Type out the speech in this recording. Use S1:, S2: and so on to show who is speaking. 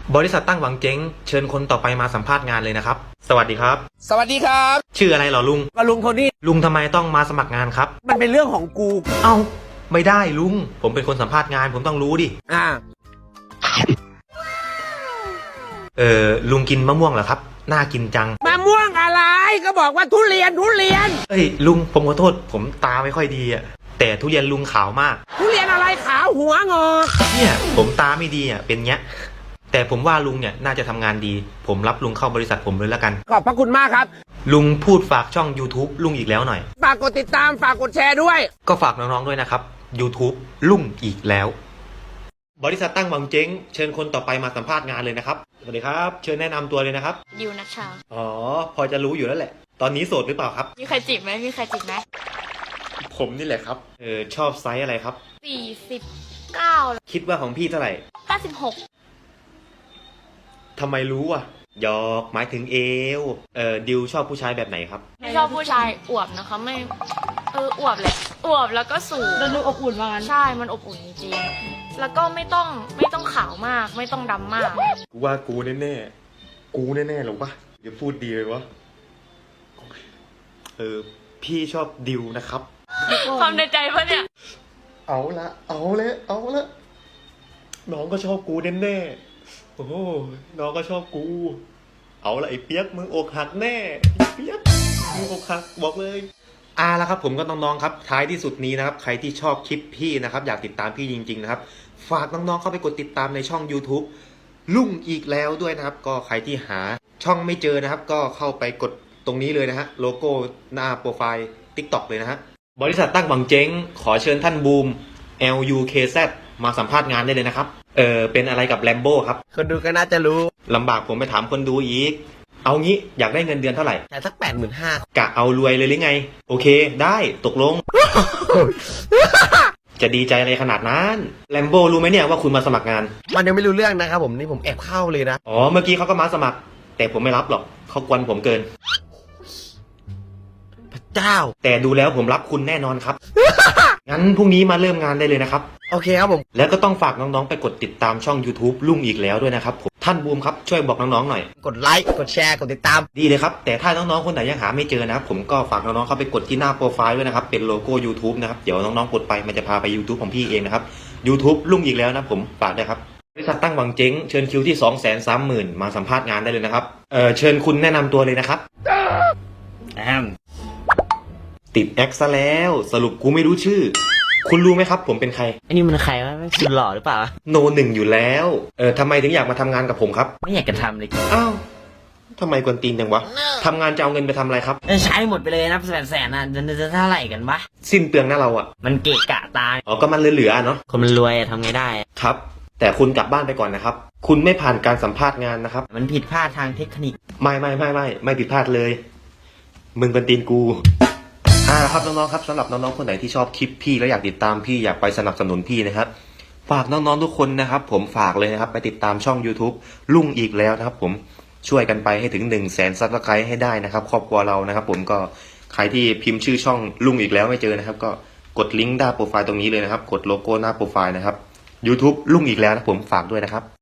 S1: บริษัทตั้งหวังเจ๊งเชิญคนต่อไปมาสัมภาษณ์งานเลยนะครับสวัสดีครับ
S2: สวัสดีครับ
S1: ชื่ออะไรเหรอลุง
S2: ก็ลุงโทนี่
S1: ลุงทำไมต้องมาสมัครงานครับ
S2: มันเป็นเรื่องของกู
S1: เอ้าไม่ได้ลุงผมเป็นคนสัมภาษณ์งานผมต้องรู้ดิ
S2: อ่า
S1: ลุงกินมะม่วงเหรอครับน่ากินจัง
S2: มะม่วงอะไรก็บอกว่าทุเรียน
S1: เอ้ยลุงผมขอโทษผมตาไม่ค่อยดีอ่ะแต่ทุเรียนลุงขาวมาก
S2: ทุเรียนอะไรขาวหัวงอก
S1: เนี่ยผมตาไม่ดีอ่ะเป็นเงี้ยแต่ผมว่าลุงเนี่ยน่าจะทำงานดีผมรับลุงเข้าบริษัทผมเลยแล้วกัน
S2: ขอบพระคุณมากครับ
S1: ลุงพูดฝากช่อง YouTube ลุงอีกแล้วหน่อย
S2: ฝากกดติดตามฝากกดแชร์ด้วย
S1: ก็ฝากน้องๆด้วยนะครับ YouTube ลุงอีกแล้ว บริษัทตั้งหวังเจ๊งเชิญคนต่อไปมาสัมภาษณ์งานเลยนะครับสวัสดีครับเชิญแนะนำตัวเลยนะครับ
S3: ดิวนัชชา
S1: อ๋อพอจะรู้อยู่แล้วแหละ ตอนนี้โสดหรือเปล่าครับ
S3: มีใครจีบไหมมีใครจีบไหม
S1: ผมนี่แหละครับชอบไซส์อะไรครับ
S3: 49
S1: คิดว่าของพี่เท่าไหร่
S3: 96
S1: ทำไมรู้อ่ะหยอกหมายถึงเอวดิวชอบผู้ชายแบบไหนครับ
S3: ไม่ชอบผู้ชายอวบนะคะไม่อวบแหละอวบแล้วก็สูง
S4: แล้วดูอบอุ่นมางั้น
S3: ใช่มันอบอุ่นจริงๆแล้วก็ไม่ต้องขาวมากไม่ต้องดำมาก
S1: กูว่ากูแน่ๆกูแน่ๆหรอวะอย่าพูดดีเลยวะพี่ชอบดิวนะครับ
S3: ความในใจปะเนี่ย
S1: เอาละน้องก็ชอบกูแน่ๆโอ้โหน้องก็ชอบกู เอาละไอ้เปียกมึงอกหักแน่ไอ้เปียกมึงอกหักบอกเลยละครับผมก็น้องๆครับท้ายที่สุดนี้นะครับใครที่ชอบคลิปพี่นะครับอยากติดตามพี่จริงๆนะครับฝากน้องๆเข้าไปกดติดตามในช่อง YouTube ลุงอีกแล้วด้วยนะครับก็ใครที่หาช่องไม่เจอนะครับก็เข้าไปกดตรงนี้เลยนะฮะโลโก้หน้าโปรไฟล์ TikTok เลยนะฮะบริษัทตั้งหวังเจ๊งขอเชิญท่านบูม LUKZ มาสัมภาษณ์งานได้เลยนะครับเป็นอะไรกับแลมโบ้ครับ
S2: คนดูก็น่าจะรู้
S1: ลำบากผมไปถามคนดูอีกเอางี้อยากได้เงินเดือนเท่าไหร่
S2: แต่สัก85,000
S1: กะเอารวยเลยหรือไงโอเคได้ตกลง จะดีใจอะไรขนาดนั้นแลมโบ้รู้ไหมเนี่ยว่าคุณมาสมัครงาน
S2: มันยังไม่รู้เรื่องนะครับผมนี่ผมแอบเข้าเลยนะ
S1: อ๋อเมื่อกี้เขาก็มาสมัคร แต่ผมไม่รับหรอกเขากวนผมเกิน
S2: พระเจ้า
S1: แต่ดูแล้วผมรับคุณแน่นอนครับ งั้นพรุ่งนี้มาเริ่มงานได้เลยนะครับ
S2: โอเคครับผม
S1: แล้วก็ต้องฝากน้องๆไปกดติดตามช่อง YouTube ลุงอีกแล้วด้วยนะครับผมท่านบูมครับช่วยบอกน้องๆหน่อย
S2: กดไลค์กดแชร์กดติดตาม
S1: ดีเลยครับแต่ถ้าน้องๆคนไหนยังหาไม่เจอนะครับผมก็ฝากน้องๆเข้าไปกดที่หน้าโปรไฟล์ด้วยนะครับเป็นโลโก้ YouTube นะครับเดี๋ยวน้องๆกดไปมันจะพาไป YouTube ของพี่เองนะครับ YouTube ลุงอีกแล้วนะผมฝากด้วยครับบริษัทตั้งหวังเจ๊งเชิญคิวที่ 230,000 มาสัมภาษณ์งานได้เลยนะครับเชิญคุณแนะนำตัวเลยนะครับติดแอคซะแล้วสรุปกูไม่รู้ชื่อ คุณรู้ไหมครับผมเป็นใคร
S4: อันนี้มันใครวะไม่สุดหล่อหรือเปล่า
S1: โนหนึ่งอยู่แล้วทำไมถึงอยากมาทำงานกับผมครับ
S4: ไม่อยากจะทำเลย
S1: อ้าวทำไมกวนตีนจังวะทำงานจะเอาเงินไปทำอะไรครับ
S4: ใช้หมดไปเลยนะแสนน่ะจะเท่าไหร่กันวะ
S1: สิ้นเปลืองหน้าเราอ่ะ
S4: มันเกะกะตา
S1: อ๋อก็มันเหลือๆเนาะ
S4: คนมันรวยอะทำไงได้อะ
S1: ครับ แต่คุณกลับบ้านไปก่อนนะครับ คุณไม่ผ่านการสัมภาษณ์งานนะครับ
S4: มันผิดพลาดทางเทคนิค
S1: ไม่ผิดพลาดเลย มึงเป็นตีนกูครับน้องๆครับสำหรับน้องๆคนไหนที่ชอบคลิปพี่แล้วอยากติดตามพี่อยากไปสนับสนุนพี่นะครับฝากน้องๆทุกคนนะครับผมฝากเลยนะครับไปติดตามช่อง YouTube ลุงอีกแล้วนะครับผมช่วยกันไปให้ถึง 100,000 ซับสไครต์ให้ได้นะครับครอบครัวเรานะครับผมก็ใครที่พิมพ์ชื่อช่องลุงอีกแล้วไม่เจอนะครับก็กดลิงก์หน้าโปรไฟล์ตรงนี้เลยนะครับกดโลโก้หน้าโปรไฟล์นะครับ YouTube ลุงอีกแล้วนะผมฝากด้วยนะครับ